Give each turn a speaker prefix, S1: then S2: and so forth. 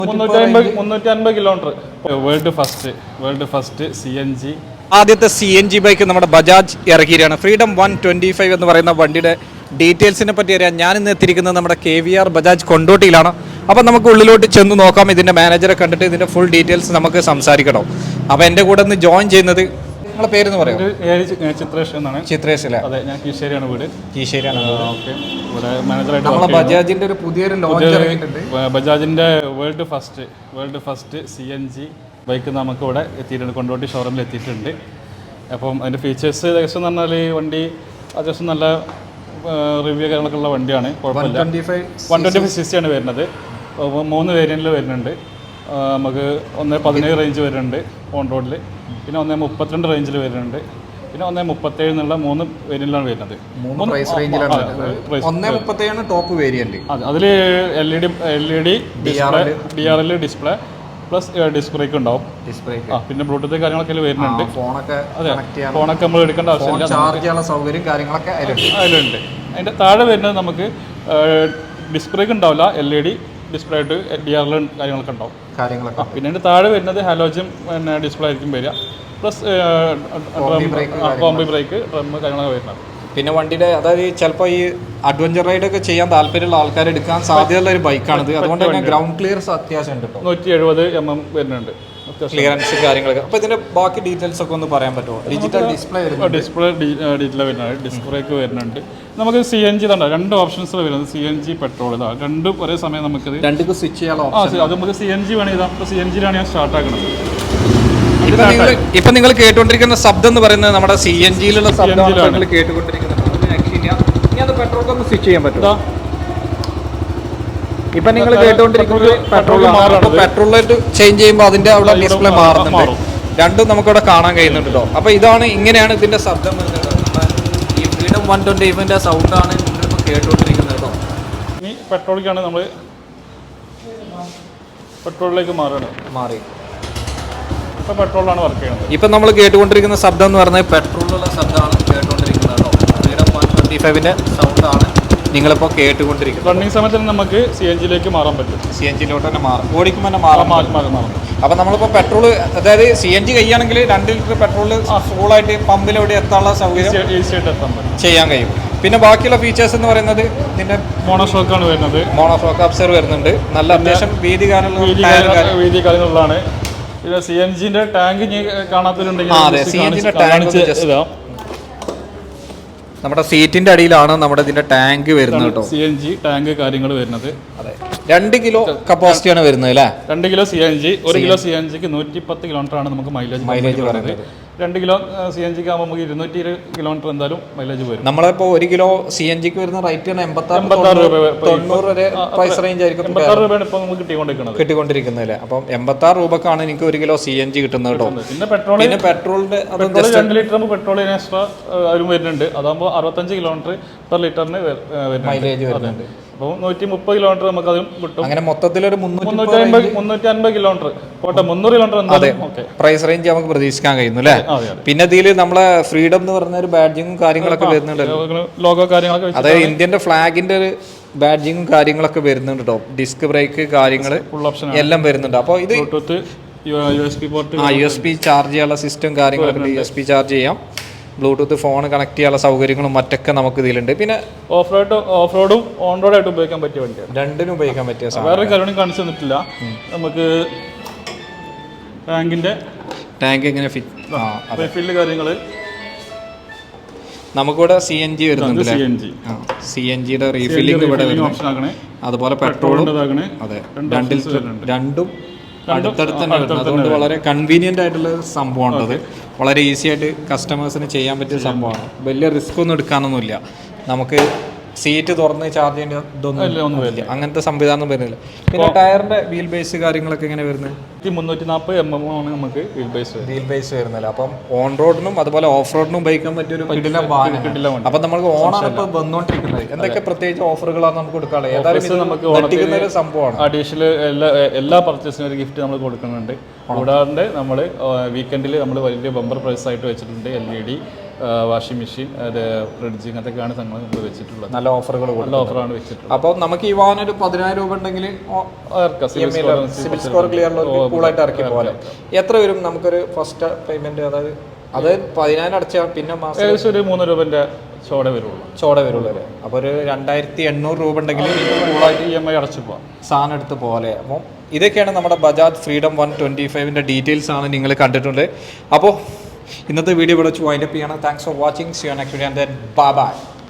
S1: 350 kilometre. World first CNG.
S2: ആദ്യത്തെ CNG bike നമ്മുടെ Bajaj ഇറക്കിയാണ്. Freedom 125 എന്ന് പറയുന്ന വണ്ടിയുടെ ഡീറ്റെയിൽസിനെ പറ്റി അറിയാം. ഞാൻ ഇന്ന് എത്തിയിരിക്കുന്നത് നമ്മുടെ KVR ബജാജ് കൊണ്ടോട്ടിയിലാണ്. അപ്പോൾ നമുക്ക് ഉള്ളിലോട്ട് ചെന്ന് നോക്കാം. ഇതിൻ്റെ മാനേജറെ കണ്ടിട്ട് ഇതിൻ്റെ ഫുൾ ഡീറ്റെയിൽസ് നമുക്ക് സംസാരിക്കണം. അപ്പോൾ എൻ്റെ കൂടെ ഒന്ന് ജോയിൻ ചെയ്യുന്നത് നിങ്ങളുടെ പേരെന്ന് പറയാം?
S1: ചിത്രേഷ് എന്നാണ്.
S2: ചിത്രേഷ് അല്ലേ?
S1: അതെ, ഞാൻ കീശേരിയാണ് വീട്.
S2: കീശേരിയാണ്.
S1: ഓക്കെ. ഇവിടെ മാനേജറായിട്ട്
S2: നമ്മളെ ബജാജിൻ്റെ ഒരു പുതിയൊരു ലോഞ്ച് ഇറങ്ങിയിട്ടുണ്ട്.
S1: ബജാജിൻ്റെ വേൾഡ് ഫസ്റ്റ് CNG ബൈക്ക് നമുക്ക് ഇവിടെ എത്തിയിട്ടുണ്ട്. കൊണ്ടോട്ടി ഷോറൂമിൽ എത്തിയിട്ടുണ്ട്. അപ്പം അതിൻ്റെ ഫീച്ചേഴ്സ് ഏകദേശം എന്ന് പറഞ്ഞാൽ വണ്ടി അത്യാവശ്യം നല്ല റിവ്യൂ കാര്യങ്ങളൊക്കെ ഉള്ള വണ്ടിയാണ്. കുഴപ്പമില്ല. 125cc ആണ് വരുന്നത്. 3 വേരിയൻറ്റിൽ വരുന്നുണ്ട്. നമുക്ക് 117 റേഞ്ച് വരുന്നുണ്ട് ഓൺ റോഡിൽ, പിന്നെ 132 റേഞ്ചിൽ വരുന്നുണ്ട്, പിന്നെ 137 എന്നുള്ള 3 വേരിയന്റിലാണ് വരുന്നത്.
S2: Top variant.
S1: അതിൽ LED DRL display plus disc brake ഉണ്ടാവും. പിന്നെ ബ്ലൂടൂത്ത് കാര്യങ്ങളൊക്കെ വരുന്നുണ്ട്. ഫോണൊക്കെ നമ്മൾ എടുക്കേണ്ട ആവശ്യമില്ല. അതിലുണ്ട്. അതിൻ്റെ താഴെ വരുന്നത് നമുക്ക് ഡിസ്ക് ബ്രേക്ക് ഉണ്ടാവില്ല. LED ഡിസ്പ്ലേ ആയിട്ട് DRL കാര്യങ്ങളൊക്കെ ഉണ്ടാവും. പിന്നെ അതിൻ്റെ താഴെ വരുന്നത് ഹാലോജൻ പിന്നെ ഡിസ്പ്ലേ ആയിരിക്കും വരിക. പ്ലസ് കോംബി ബ്രേക്ക് ഡ്രം കാര്യങ്ങളൊക്കെ വരുന്നത്.
S2: പിന്നെ വണ്ടിയുടെ അതായത് ചിലപ്പോൾ ഈ അഡ്വഞ്ചർ റൈഡ് ഒക്കെ ചെയ്യാൻ താല്പര്യമുള്ള ആൾക്കാർ എടുക്കാൻ സാധ്യതയുള്ള ഒരു ബൈക്കാണിത്. അതുകൊണ്ട് തന്നെ ഗ്രൗണ്ട് ക്ലിയർസ് അത്യാവശ്യം ഉണ്ട്.
S1: 170 mm വരുന്നുണ്ട്
S2: ക്ലിയറൻസ് കാര്യങ്ങളൊക്കെ. അപ്പോൾ ഇതിന്റെ ബാക്കി ഡീറ്റെയിൽസ് ഒക്കെ ഒന്ന് പറയാൻ പറ്റുമോ? ഡിജിറ്റൽ ഡിസ്പ്ലേ
S1: ഡിജിറ്റൽ വരുന്നുണ്ട്. ഡിസ്ക് ബ്രേക്ക് വരുന്നുണ്ട്. നമുക്ക് CNG തന്നെ 2 ഓപ്ഷൻസ് വരുന്നത്. CNG പെട്രോൾ ഇതാണ്. രണ്ടും ഒരേ സമയം നമുക്കത് രണ്ടും
S2: സ്വിച്ച് ചെയ്യാനുള്ള
S1: ഓപ്ഷൻ. അത് നമുക്ക് CNG വേണം. ഇതാ ഇപ്പോൾ CNGയിലാണ് ഞാൻ സ്റ്റാർട്ട് ആക്കുന്നത്.
S2: ഇപ്പൊ നിങ്ങൾ കേട്ടുകൊണ്ടിരിക്കുന്ന ശബ്ദം എന്ന് പറയുന്നത് നമ്മുടെ CNGയിലുള്ള ശബ്ദമാണ് കേട്ടുകൊണ്ടിരിക്കുന്നത്. പെട്രോൾ ഒന്ന് സ്വിച്ച് ചെയ്യാൻ പറ്റും. ഇപ്പൊ നിങ്ങൾ കേട്ടുകൊണ്ടിരിക്കുന്നത് പെട്രോളിലേക്ക് ചേഞ്ച് ചെയ്യുമ്പോൾ അതിന്റെ അവിടെ ഡിസ്പ്ലേ മാറുന്നുണ്ട്. രണ്ടും നമുക്കിവിടെ കാണാൻ കഴിയുന്നുണ്ട് കേട്ടോ. അപ്പൊ ഇതാണ്, ഇങ്ങനെയാണ് ഇതിന്റെ ശബ്ദം വരുന്നത്. ഈ ഫ്രീഡം 125ന്റെ സൗണ്ടാണ് നിങ്ങളിപ്പോൾ കേട്ടുകൊണ്ടിരിക്കുന്നത് കേട്ടോ.
S1: ഇനി പെട്രോളിലേക്കാണ് നമ്മൾ പെട്രോളിലേക്ക് മാറി ഇപ്പൊ പെട്രോളാണ് വർക്ക് ചെയ്യുന്നത്.
S2: ഇപ്പൊ നമ്മൾ കേട്ടുകൊണ്ടിരിക്കുന്ന ശബ്ദം എന്ന് പറഞ്ഞാൽ പെട്രോളിലുള്ള ശബ്ദമാണ് കേട്ടുകൊണ്ടിരിക്കുന്നത് കേട്ടോ. ഫ്രീഡം 125ന്റെ സൗണ്ടാണ് നിങ്ങളിപ്പോൾ കേട്ടുകൊണ്ടിരിക്കുന്നത്.
S1: റണ്ണിങ് സമയത്ത് നമുക്ക് CNGയിലേക്ക് മാറാൻ പറ്റും.
S2: CNGയിലോട്ട് തന്നെ മാറും. ഓടിക്കുമ്പോൾ തന്നെ മാറാം. അപ്പോൾ നമ്മളിപ്പോൾ പെട്രോൾ, അതായത് CNG കഴിയുകയാണെങ്കിൽ 2 ലിറ്റർ പെട്രോൾ ഫുള്ളായിട്ട് പമ്പിലൂടെ എത്താനുള്ള സൗകര്യം
S1: ഈസിയായിട്ട് എത്താൻ പറ്റും,
S2: ചെയ്യാൻ കഴിയും. പിന്നെ ബാക്കിയുള്ള ഫീച്ചേഴ്സ് എന്ന് പറയുന്നത് ഇതിൻ്റെ
S1: മോണോഷോക്കാണ് വരുന്നത്.
S2: മോണോഷോക്ക് അബ്സർവ് വരുന്നുണ്ട്. നല്ല അത്യാവശ്യം വീതി
S1: കാര്യങ്ങളുള്ളതാണ്. പിന്നെ CNGന്റെ ടാങ്ക് കാണാത്തവരുണ്ടെങ്കിൽ
S2: CNGന്റെ ടാങ്ക് നമ്മുടെ സീറ്റിന്റെ അടിയിലാണ് നമ്മുടെ ഇതിന്റെ ടാങ്ക് വരുന്നത് കേട്ടോ.
S1: CNG ടാങ്ക് കാര്യങ്ങൾ വരുന്നത്.
S2: അതെ, 2 കിലോ കപ്പാസിറ്റിയാണ് വരുന്നത് അല്ലേ?
S1: 2 കിലോ CNG. 1 കിലോ CNGക്ക് 110 കിലോമീറ്റർ ആണ് നമുക്ക് മൈലേജ് പറയുന്നത്. 2 കിലോ CNGക്ക് ആകുമ്പോൾ നമുക്ക് 220 കിലോമീറ്റർ എന്തായാലും മൈലേജ് വരും.
S2: നമ്മളിപ്പോൾ 1 കിലോ CNGക്ക് വരുന്ന റേറ്റ് 86 രൂപ വരെ പ്രൈസ് റേഞ്ച് ആയിരിക്കും.
S1: 86 രൂപയാണ് ഇപ്പോൾ നമുക്ക്
S2: കിട്ടിക്കൊണ്ടിരിക്കുന്നത് അല്ലേ? അപ്പം 86 രൂപക്കാണ് എനിക്ക് 1 കിലോ CNG കിട്ടുന്നത് കേട്ടോ.
S1: പിന്നെ പെട്രോളിന്റെ 2 ലിറ്റർ പെട്രോളിന് എക്സ്ട്രാ അതിലും വരുന്നുണ്ട്. അതാകുമ്പോൾ 65 കിലോമീറ്റർ പെർ ലിറ്ററിന്
S2: മൈലേജ് വരുന്നുണ്ട്.
S1: അപ്പോൾ 130 കിലോമീറ്റർ നമുക്ക് അതും കിട്ടും.
S2: അങ്ങനെ മൊത്തത്തിലൊരു
S1: 350 കിലോമീറ്റർ പോട്ടെ, 300 കിലോമീറ്റർ എന്തായാലും
S2: പ്രൈസ് റേഞ്ച് നമുക്ക് പ്രതീക്ഷിക്കാൻ കഴിയുന്നു അല്ലേ? പിന്നെ ഇതിൽ നമ്മളെ ഫ്രീഡം എന്ന് പറഞ്ഞ ഒരു ബാഡ്ജിങ്ങും കാര്യങ്ങളൊക്കെ വരുന്നുണ്ട്.
S1: ലോഗോ കാര്യങ്ങളൊക്കെ,
S2: അതായത് ഇന്ത്യന്റെ ഫ്ലാഗിന്റെ ഒരു ബാഡ്ജിങ്ങും കാര്യങ്ങളൊക്കെ വരുന്നുണ്ട് കേട്ടോ. ഡിസ്ക് ബ്രേക്ക് കാര്യങ്ങൾ എല്ലാം വരുന്നുണ്ട്. അപ്പോൾ ഇത് USB ചാർജ് ചെയ്യാനുള്ള സിസ്റ്റം കാര്യങ്ങളൊക്കെ USB ചാർജ് ചെയ്യാം. ബ്ലൂടൂത്ത് ഫോൺ കണക്ട് ചെയ്യാനുള്ള സൗകര്യങ്ങളും മറ്റൊക്കെ നമുക്ക് ഇതിലുണ്ട്. പിന്നെ
S1: ഓഫ് റോഡും ഓൺ റോഡായിട്ട് ഉപയോഗിക്കാൻ പറ്റിയ വണ്ടിയാണ്.
S2: രണ്ടിനും ഉപയോഗിക്കാൻ പറ്റിയ
S1: വേറെ കാര്യം കാണിച്ചു തന്നിട്ടില്ല. നമുക്ക് ടാങ്ക് എങ്ങനെ ഫില്ല് കാര്യങ്ങള്
S2: നമുക്കിവിടെ CNG വരുന്നുണ്ട്. CNGയുടെ റീഫില്ലിംഗ് ഇവിടെ വരുന്നു. അതുപോലെ പെട്രോളും അതെ, രണ്ടും അടുത്തടുത്ത് തന്നെ വരുന്നത്. അതുകൊണ്ട് വളരെ കൺവീനിയൻ്റ് ആയിട്ടുള്ള സംഭവമാണത്. വളരെ ഈസി ആയിട്ട് കസ്റ്റമേഴ്സിന് ചെയ്യാൻ പറ്റിയ സംഭവമാണ്. വലിയ റിസ്ക് ഒന്നും എടുക്കാനൊന്നുമില്ല. നമുക്ക് സീറ്റ് തുറന്ന് ചാർജ് ചെയ്യേണ്ട ഇതൊന്നുമില്ല. അങ്ങനത്തെ സംവിധാനം വരുന്നില്ല. പിന്നെ ടയറിന്റെ വീൽ ബേസ് കാര്യങ്ങളൊക്കെ എങ്ങനെ വരുന്നത്?
S1: 340 mm ആണ് നമുക്ക് വീൽ ബേസ്
S2: വരുന്നില്ല. അപ്പം ഓൺ റോഡിനും അതുപോലെ ഓഫ് റോഡിനും ഉപയോഗിക്കാൻ പറ്റിയൊരു കിടിലം. അപ്പം നമുക്ക് ഓണാണ് ഇപ്പോൾ വന്നുകൊണ്ടിരിക്കുന്നത്. എന്തൊക്കെ പ്രത്യേകിച്ച് ഓഫറുകളാണ് നമുക്ക് കൊടുക്കാനുള്ളത്? ഏതായാലും നമുക്ക് സംഭവമാണ്.
S1: അഡീഷണൽ എല്ലാ പർച്ചേസിനും ഒരു ഗിഫ്റ്റ് നമ്മൾ കൊടുക്കുന്നുണ്ട്. കൂടാതെ നമ്മൾ വീക്കെൻഡിൽ നമ്മൾ വലിയ ബമ്പർ പ്രൈസ് ആയിട്ട് വെച്ചിട്ടുണ്ട്. LED വാഷിംഗ് മെഷീൻ, ഫ്രിഡ്ജ്, ഇങ്ങനത്തെയൊക്കെയാണ് സംഘങ്ങൾ നമ്മൾ വെച്ചിട്ടുള്ളത്.
S2: നല്ല ഓഫറുകൾ,
S1: നല്ല ഓഫറാണ് വെച്ചിട്ടുള്ളത്.
S2: അപ്പോൾ നമുക്ക് ഈ വാഹനം ഒരു 10,000 രൂപ ഉണ്ടെങ്കിൽ സിവിൽ സ്കോർ ക്ലിയർ കൂളായിട്ട് ഇറക്കി പോലെ എത്ര വരും നമുക്കൊരു ഫസ്റ്റ് പേയ്മെന്റ്? അതായത് അത് 10,000 അടച്ചാൽ പിന്നെ മാസം
S1: ഏകദേശം ഒരു 3 രൂപൻ്റെ ചോട വരുള്ളൂ
S2: അല്ലേ? അപ്പോൾ ഒരു 2,800 രൂപ ഉണ്ടെങ്കിൽ കൂളായിട്ട്
S1: EMI അടച്ചു പോകാം,
S2: സാധനം എടുത്ത് പോലെ. അപ്പം ഇതൊക്കെയാണ് നമ്മുടെ ബജാജ് ഫ്രീഡം 125ൻ്റെ ഡീറ്റെയിൽസ് ആണ് നിങ്ങൾ കണ്ടിട്ടുണ്ട്. അപ്പോൾ ഇന്നത്തെ വീഡിയോ ഇവിടെ വെച്ച് വൈൻഡപ്പ് ചെയ്യണം. Thanks for watching. See you next video and then bye by.